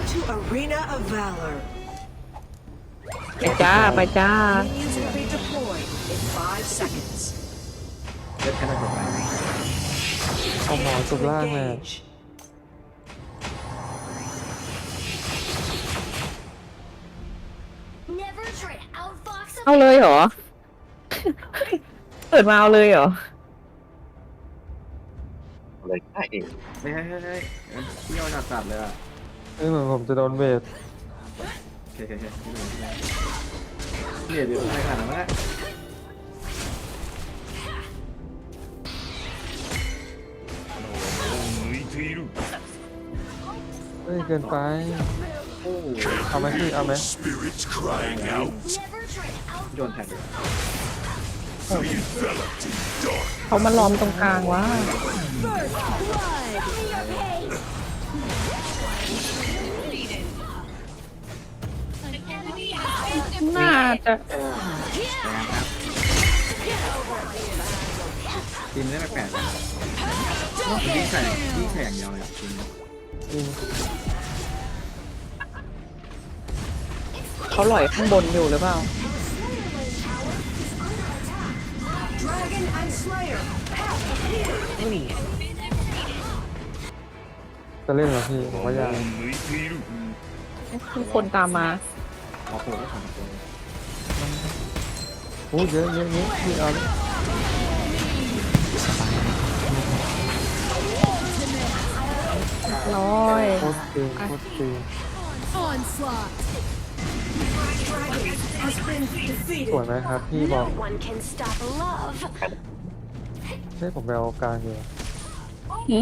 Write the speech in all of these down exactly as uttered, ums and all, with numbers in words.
to Arena of Valor. ไปจ้าไปจ้า Minions will be deployed in five seconds. เล่นแค่ไหนจบไปเอาหมอจบล่างเลย Engage. Never try to outfox เอาเลยเหรอ เปิดมาเอาเลยเหรอเลยได้เองเฮ้ยเฮ้ยเฮ้ยเฮ้ยเที่ยวจัดจัดเลยอ่ะเอ้ยเหมือนผมจะโดนเบสโอเคโอเคโอเคเนี่ยเดี๋ยวอะไรขนาดนั้นวะเฮ้ยเกินไปโอ้โหเอาไหมพี่เอาไหม Spirits crying out. Never try to out โยนแท็กเลย Enveloped in dark. เขามาล้อมตรงกลางวะ น่าจะแรงครับทีมได้แปลกๆนะยิ่งใส่ยิ่งใส่อย่างเดียวเลยอ่ะทีมจริงเขาหล่อยข้างบนอยู่หรือเปล่า Dragon and Slayer. จะเล่นเหรอพี่ผมว่าอยากมีคนตามมาออกโผล่ก็ของโผล่โอ้เยอะเยอะเยอะพี่เอาเลยร้อยโคตรเก่งโคตรเก่ง onslaught. Dragon has been สวย defeated. ไหมครับพี่บอก No one can stop love. เฮ้ยผมไปเอากลางอยู่หืม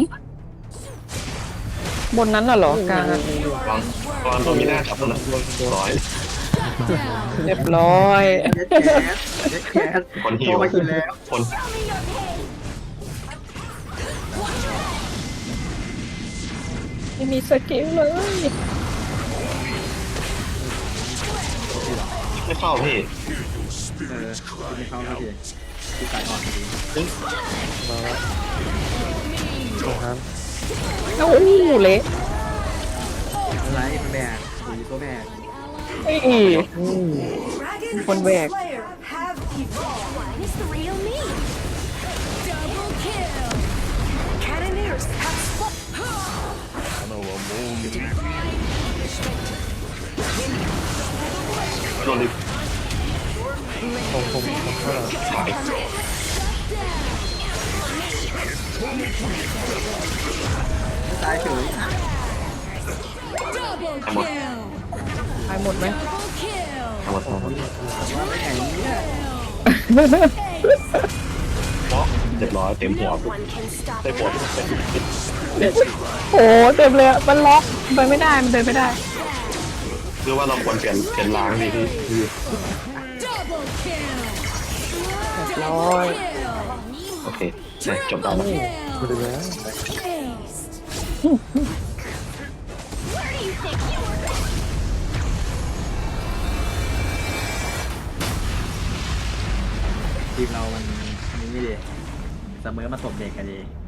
บนนั้นน่ะเหรอกลางอะวางวางตรงนี้หน้ากับนะร้อยเรียบร้อยเย็ดแก๊สเย็ดแก๊สคนหิโตวมากินแล้วคนไม่มีสกิลเลยไม่เข้าพี่เออไม่เข้าเท่าทีที่สายอ่อนพอดีมาแล้วตรงนั้นโอ้โหเละอะไรเป็นแบกสีตัวแบกเอ้ย Dragon One and back. Slayer have evolved. One is the real me. Double kill. Cannoneers have spot. โดนดิผมผมผมเท่าไหร่สายตายเฉย Double ทั้งหมด kill. ตายหมดไหม Double kill. ทั้งหมดทั้งหมดว่าไม่ไงเนี่ยเพราะเรียบร้อยเต็มหัว No one can stop ได้ปวด love. โอ้เต็มเลยอะมันล็อกไปไม่ได้มันเดินไม่ได้คือว่าเราควรเปลี่ยนเปลี่ยนล้างดีที่คือ Double kill. ร้อย Kill. โอเคเนี่ยจบแล้วนะไปเลยแล้ว Aced. Where do you think you were? ทีมเรามันนี่ดิเสมอมาตบเด็กกันดี